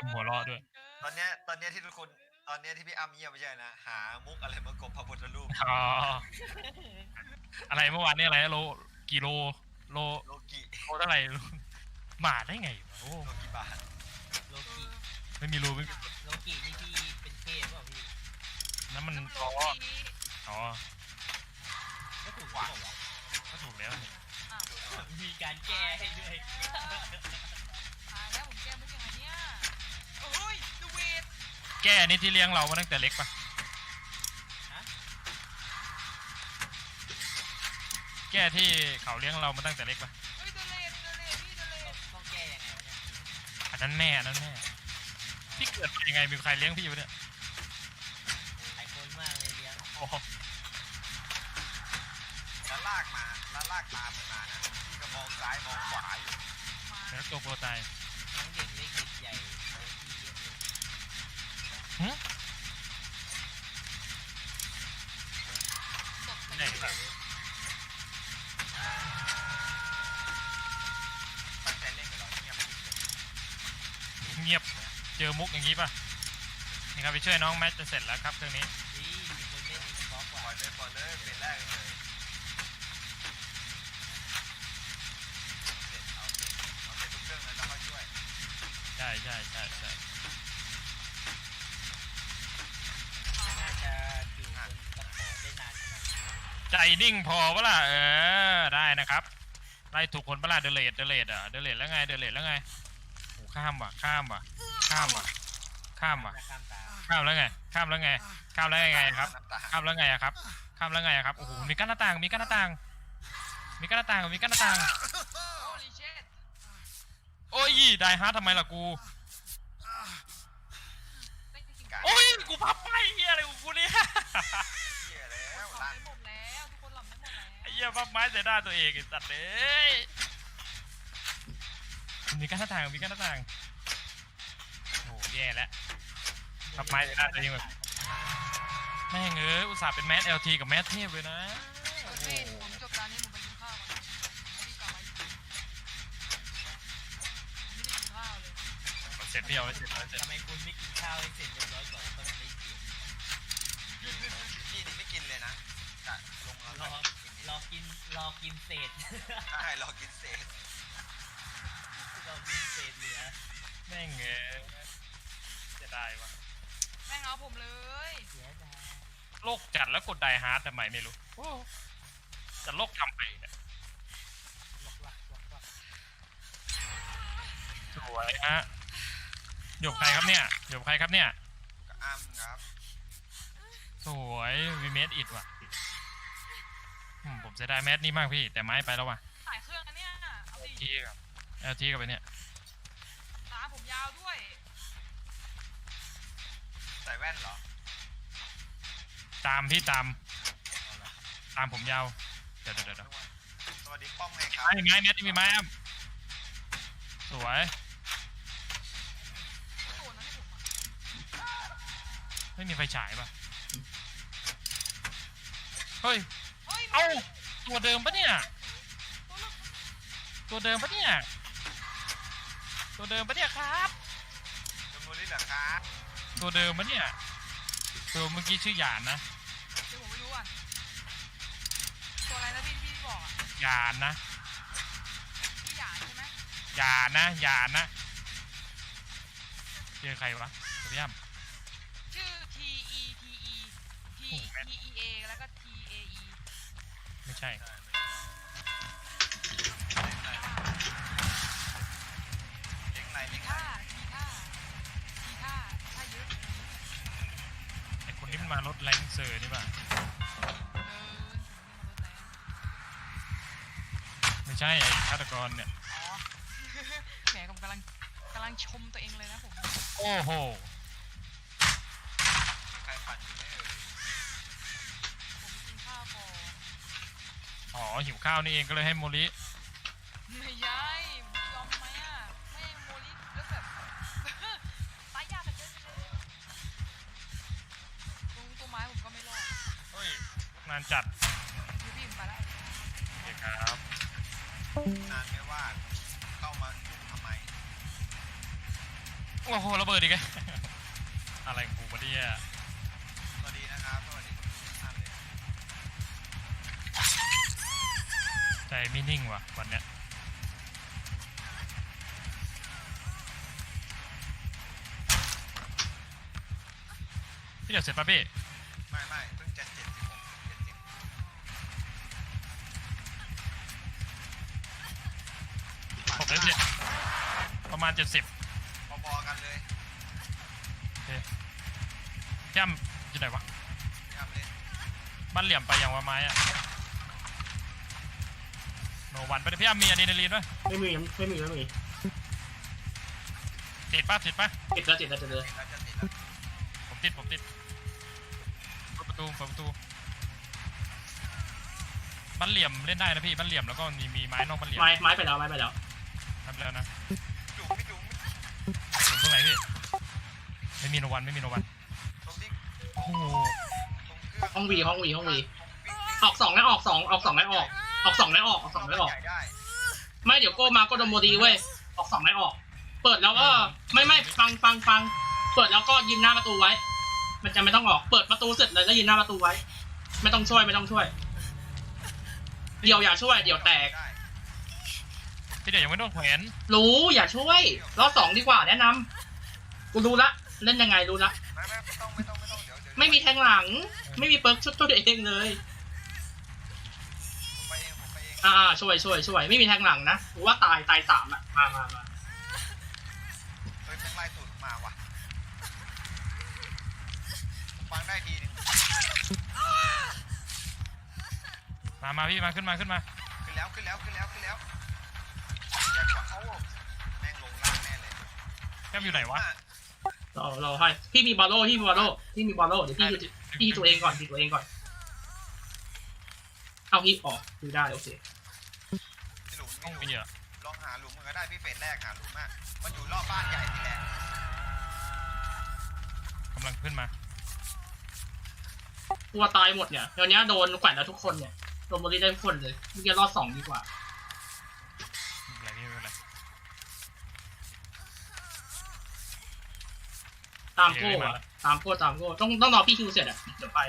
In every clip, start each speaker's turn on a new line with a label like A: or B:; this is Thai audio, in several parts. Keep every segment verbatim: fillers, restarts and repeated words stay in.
A: มหัวเราะด้วย
B: ตอนเนี้ยตอนเนี้ยที่ทุกคนตอนเนี้ยที่พี่อ้ำเงียบไม่ใช่นะหามุกอะไรมากบพระพุทธรูป
A: อ๋ออะไรเมื่อวานนี่อะไรโลกี่โลโล
B: โลกิ
A: โลเท่าไหร่มาได้ไงวะโอ้
B: โลกิบาท
C: โลกิ
A: ไม่มีรูไม่มี
C: โลกินี่พี่เป็นเทพเปล่าพี่
A: นั่นมัน
D: โล
A: อ๋อ
D: กี
A: อ๋อ
C: ก็ถูกหรือเปล่าวะ
A: ก็ถูกแล้วนี่
D: อ้าว
C: มีการแก้ให้ด้วย
D: ตายแล้วผมแก้มุกยังไงเนี่ยโอ้ยดูเวท
A: แก้นี่ที่เลี้ยงเรามาตั้งแต่เล็กปะ
C: ฮะ
A: แก้ที่เขาเลี้ยงเรามาตั้งแต่เล็กปะ
D: เฮ้ยเดเลดเดเลดพี่เดเลด
C: ต้องแก้ยังไงวะเนี่ย
A: อันนั้นแม่อันนั้นแม่พี่เกิดมายังไงมีใครเลี้ยงพี่อยู่เนี่ย
C: หลายคนมากเลยเลี้ยง
A: โอ้โห
B: แล้วลากมาแล้วลากตามมันมานะพี่ก็มองซ้ายมองขวาอยู่
D: มา
A: แล้วตัวโปรตาย
C: ทั้งเด็กเล็กเด็กใหญ่เลยที่เยอะเลย
A: หึ
D: ตบ
A: ไหนล่ะ
B: ตั้งใจเล่นกับเราเงียบไปเลย
A: เงียบเจอมุกอย่างนี้ปะนี่ครับไปช่วยน้องแมทจะเสร็จแล้วครับเครื่องนี้
C: นี่มีคนเล่นอีกบล็อก
B: ป
C: ว่ะ
B: ล่อยเลยปล่อยเลยเป็นแรกเลยเสร็จเอาเสร็จเอาเสร็จทุกเครื่องเลยแล้วค่อยช่วย
A: ใช่ใช่ใช่ใช่
C: น่าจะอยู่บนตะขอได้นานขนาดนี้
A: ใจนิ่งพอปะล่ะเออได้นะครับไล่ถูกคนปะล่ะเดเลดเดเลดอ่ะเดเลดแล้วไงเดเลดแล้วไงโอ้ข้ามว่ะข้ามว่ะข้ามว่ะข้ามว่ะ
C: หน้าข้ามตา
A: ข้ามแล้วไงข้ามแล้วไงข้ามแล้วไงครับ
B: น้ำตา
A: ข้ามแล้วไงอะครับข้ามแล้วไงอะครับโอ้โหมีกั้นหน้าต่างมีกั้นหน้าต่างมีกั้นหน้าต่างมีกั้นหน้าต่าง
D: โอ้ลิเชต
A: โอ้ยได้ฮาร์ทำไมล่ะกู
D: ไม่จริง
A: โอ้ยกูพับไปเฮียอะไรของกูเนี่ย
B: เหี้ยแล้ว
D: ๆหลั
B: ล่า
D: บ
B: ง
D: ไม่หมดแล้วทุกคนหลับไม่หมดแล้ว
A: ไอ้เหี้ยพับไม้ใส่หน้าตัวเองไอ้สัตว์เอ้ยมีกั้นหน้าต่างมีกั้นหน้าต่างโอ้แย่แล้วพับไม้ใส่หน้าตัวเองแบบแม่งเอ้ยอุตส่าห์เป็นแมส แอล ที กับแมสเทพเลยนะ
D: โอเคผมจบตอนนี้ผมไปกินข้าวก่อนพี่กลับมาอีกทีผมไม่ได้กินข้าวเลย
A: เสร็จพี่เอาไว้เสร็จเอาไว้เสร็จ
C: ทำไมคุณไม่กินข้าวให้เสร็จเรียบร้อยก่อนแล้วค่อยมาเล่นเกม
B: พี่นี่ไม่กินเลยนะกะลงแล้ว
C: รอ
B: ก็กิน
C: รอกินรอกินเศษ
B: ใช่รอกินเศษ
C: รอกินเศษเหลือ
A: แม่งเอ้ยจะได้วะ
D: แม่งเอาผมเลย
C: เสียดาย
A: โลกจัดแล้วกดไดฮาร์ดทำไมไม่รู้จะโลกทำไปเนี่ย
C: ล็อกลักล็อกลัก
A: สวยฮะหยกใครครับเนี่ยหยกใครครับเนี่ย
B: กับอ้ำครับ
A: สวยวีเมดอิดว่ะอืมผมเสียดายแมสนี่มากพี่แต่ไม้ไปแล้วว่ะ
D: สายเครื่องอันเนี้ยเอาดิ
A: ทีกับเอลทีกับไปเนี่ย
D: ตาผมยาวด้วย
B: ใส่แว่นเหรอ
A: ตามพี่ตาม
B: เอาละ
A: ตามผมยาวเดี๋ยวเดี๋ยวเดี๋ยว
B: สวัสดีป้อมไงครับ
A: ไม้ไม้แมสนี่มีไม้อ้ำสวย
D: ตัวนั้นให้ผมอ่ะ
A: ไม่มีไฟฉายป่ะเฮ้ย
D: เฮ้ย
A: เอ้าตัวเดิมปะเนี่ย
D: ตัวลึก
A: ตัวเดิมปะเนี่ยตัวเดิมปะเนี่ยครับ
B: เดมโมลิเหรอครับ
A: ตัวเดิมปะเนี่ยตัวเมื่อกี้ชื่อหยานนะ
D: เดี๋ยวผมไปดูก่อนตัวอะไรนะพี่ที่พี่บอกอ่ะ
A: หยานนะ
D: พี่หยาดใช่ไหม
A: หยานนะหยานนะเจอใครวะเดี๋ยวพี่อ้ำ
D: ชื่อ T E T E T
A: โอ้โหแม่น
D: T E A แล้วก็ T A E
A: ไม่ใช่
B: ใช่เลี้ยงในเลี้ยงใน
D: ท่าทีท่าทีท่าท่าเยอะ
A: ไอคนนี้มันมารถแรงเซอร์นี่ป่ะ
D: เออผมไม่มารถแล้ว
A: ไม่ใช่ไอฆาตกรเนี่ย
D: อ๋อ แหมผมกำลังกำลังชมตัวเองเลยนะผม
A: โอ้โห
B: ใครปั่นอยู่ไม่เอ่ย
D: ผมกินข้าวก่อน
A: อ๋อหิวข้าวนี่เองก็เลยให้โมลิ
D: ไม่ใช่ผมยอมไหมอ่ะแม่งโมลิแล้วแบบ ตายยากกันเยอะเลยตรงตัวไม้ผมก็ไม่รอด
A: เฮ้ยนานจัด
D: ยูพี่ผมไปแล้ว
A: โอเคครับ
B: นานไม่ว่าเข้ามายุ่งทำไม
A: โอ้โหระเบิดอีกแล้ว อะไรของกูวะเนี่ย
B: สวัสดีนะครับสวัสดีทุกท่านเลย
A: ใจไม่นิ่งว่ะวันเนี้ยพี่เดี๋ยวเสร็จป่ะพี่
B: ไม่ไม่เพิ่งจะเจ็ดสิบหกเจ็ดสิบ
A: ผมได้เสร็จประมาณเจ็ดสิบ
B: พอๆกันเลย
A: พี่อ้ำอยู่ไหนวะ
B: พี่อ้ำเล่น
A: บ้านเหลี่ยมไปอย่างว่าไม้อะโนวันไปดิพี่อ้ำมีอะดรีนาลีนไหม
E: ไม่มีไม่มีไม่มี
A: ติดป่ะติดป่ะ
E: ติดแล้วติดแล้วติดเลย
B: ติดแล้วจะติดแล้ว
A: ผมติดผมติดเปิดประตูเปิดประตูบ้านเหลี่ยมเล่นได้นะพี่บ้านเหลี่ยมแล้วก็มีมีไม้นอกบ้านเหลี่ยม
E: ไม้ไม้ไปแล้วไม้ไปแล้ว
A: ทำแล้วนะ
B: จุ๋มพี่จุ๋ม
A: อยู่ตรงไหนพี่ไม่มีโนวันไม่มีโนวัน
B: ตรงที่
A: โอ้โห
B: ตรงเครื่อง
E: ห้องวีห้องวีห้องวี
B: วิ่งวิ่ง
E: ออกสองแล้วออกสองออกสองแล้วออกออกสองแล้วออกออกสองแล้วออก
B: ใหญ่ได้
E: ไม่เดี๋ยวโก้มาก็โดนโมดีเว้ยออกสองแล้วออก เปิดแล้วก็ไม่ไม่ฟังฟังฟังเปิดแล้วก็ยืนหน้าประตูไว้ มันจะไม่ต้องออกเปิดประตูเสร็จเลยแล้วยืนหน้าประตูไว้ ไม่ต้องช่วยไม่ต้องช่วย เดี๋ยวอย่าช่วยเดี๋ยวแตก
B: ได้
A: พี่เดี๋ยวยังไม่โดนแขวน
E: รู้อย่าช่วยรอบสองดีกว่าแนะนำกูรู้ละเล่นยังไงรู้ละ
B: ไม่ไม่ไม่ต้องไม่ต้องไม่ต้องเดี๋ยวเดี๋ยว
E: ไม่มีแทงหลัง ไม่มีเปิร์กช่วยตัวเองเลย
B: ผมไปเองผมไปเอง
E: อ่าช่วยช่วยช่วยไม่มีแทงหลังนะกูว่าตายตายสามอ่ะมามามา
B: เฮ้ยแม่งไล่ตูดมาว่ะผมฟังได้ทีนึง
A: มามาพี่มาขึ้นมาขึ้นมา
B: ขึ้นแล้วขึ้นแล้วขึ้นแล้วขึ้นแล้วอยากจะเอาแม่งลงล่างแน่เลย
A: แก้มอยู่ไหนวะ
E: เราเราให้พี่มีบอลโล่พี่มีบอลโล่พี่มีบอลโล่เดี๋ยวพี่ดูพี่ตัวเองก่อนพี่ตัวเองก่อนเอาพี่ออกดูได้โอเค
B: หลุม
A: ห้อง
B: ไม่
A: มี
B: หลุม
A: อ่ะ
B: ลองหาหลุมมันก็ได้พี่เฟสแรกหาหลุมอ่ะมันอยู่รอบบ้านใหญ่นี่แหละ
A: กำลังขึ้นมา
E: ตัวตายหมดเนี่ยเดี๋ยวนี้โดนแขวนแล้วทุกคนเนี่ยโดนโมลีได้ทุกคนเลยเมื่อกี้รอดสองดีกว่า
A: ไม่เป็นไรพี่ไม่เป็นไร
E: ตามโก้อะตามโก้ตามโก้ต้องต้องรอพี่คิวเสร็จอ่ะเดี๋ยวไป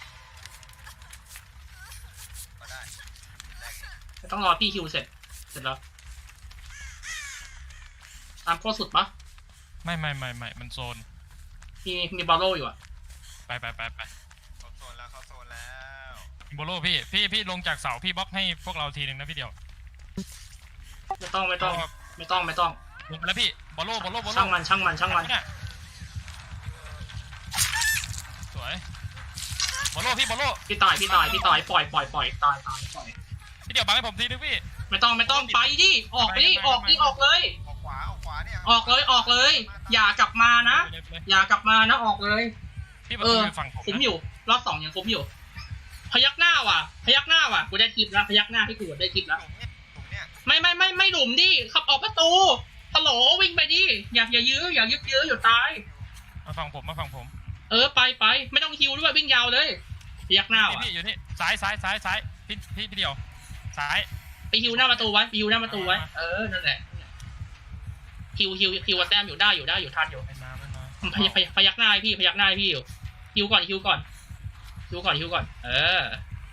B: ก็ได้แรกเอง
E: ต้องรอพี่คิวเสร็จเสร็จแล้วตามโก้สุดปะ
A: ไม่ไม่ไม่ไม่มันโซน
E: มีมีบอลโล่อยู่อ่ะ
A: ไปไปไปไป
B: เขาโซนแล้วเขาโซนแล้ว
A: โบโลพี่พี่พี่ลงจากเสาพี่บล็อกให้พวกเราทีหนึ่งนะพี่เดียว
E: ไม่ต้องไม่ต้องไม่ต้องไม่ต้อง
A: ลงไปแล้วพี่บอลโลบอลโลบอลโล
E: ช่างมันช่างมันช่างมัน
A: เนี่ยสวยบอลโลพี่บอลโล
E: พี่ตายพี่ตายพี่ตายปล่อยปล่อยปล่อยตายตายปล่อย
A: พี่เดียวบังให้ผมทีนึงพี่
E: ไม่ต้องไม่ต้องไปดิออกไปดิออกดิออกเลย
B: ออกขวาออกขวาเนี่ย
E: ออกเลยออกเลย อย่ากลับมานะ
A: ไปเลยไปเลย
E: อย่ากลับมานะออกเลย
A: พี่ประ
E: เอ
A: ตู
E: อ
A: อยู่ฝั่งผม
E: คุ้ม
A: นะ
E: อยู่รอบสองยังคุ้มอยู่ พยักหน้าว่ะ พยักหน้าว่ะกูได้คลิปแล้วพยักหน้าให้กูได้คลิป
B: ห
E: แล้ว
B: ลุมเนี่ยหลุมเนี่ย
E: ไม่ไม่ไม่ไม่หลุมดิขับออกประตูฮัลโหลวิ่งไปดิอย่าอย่ายื้ออย่ายึกยื้ออยู่ตาย
A: มาฝั่งผมมาฝั่งผม
E: เออไปไปไม่ต้องฮิวด้วยวิ่งยาวเลยพยักหน้า
A: พี่
E: ว่ะ
A: พี่อยู่นี่ซ้ายซ้ายซ้ายซ้ายพี่พี่พี่เดียวซ้าย
E: ไปฮิวหน้าประตูไว้ไปฮิวหน้าประตูไว้เออนั่นแหละฮิวฮิวฮิวกับแต้มอยู่ได้อยู่ได้อยู่ทันอยู่
A: ไม่มาไม่มา
E: พยักพยักพยักหน้าให้พี่พยักหน้าให้พี่อยู่ฮิวก่อนฮิวก่อนฮิวก่อนฮิวก่อนเออ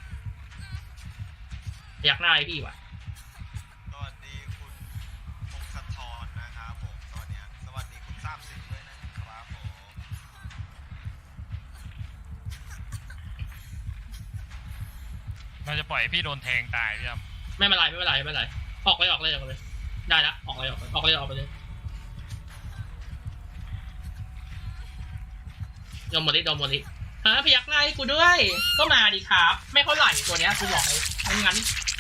E: พยักหน้าให้พี่ว่ะ
B: สวัสดีคุณพงศธรนะครับผมตอนเนี้ยสวัสดีคุณทราบสิทธิ์ด้วยนะครับผม
A: เราจะปล่อยให้พี่โดนแทงตายพี่ครับ
E: ไม่เป็นไรไม่เป็นไรไม่เป็นไรออกเลยออกเลยออกเลยได้ละออกเลยออกเลยออกเลยออกไปเลยโดนหมดลิโดนหมดลิฮะพยักหน้าให้กูด้วย ก็มาดิครับไม่เท่าไหร่ตัวเนี้ยกูบอกเลยไม่งั้น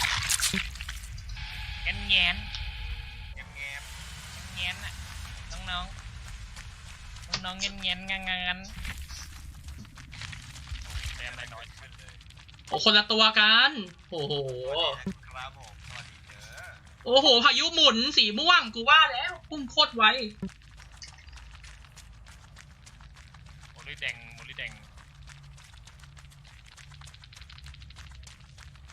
A: แง้นแง้น
B: แง้มแง้ม
A: แง้นอ่ะน้องน้องน้องน้องแง้นแง้นงันงันแต้มอะไรน้อยขึ้นเลย
E: โอ้คนละตัวกันโอ้โห
B: ครับผมสวัสดีเด้อ
E: โอ้โหพายุหมุนสีม่วงกูว่าแล้วพุ่งโคตรไว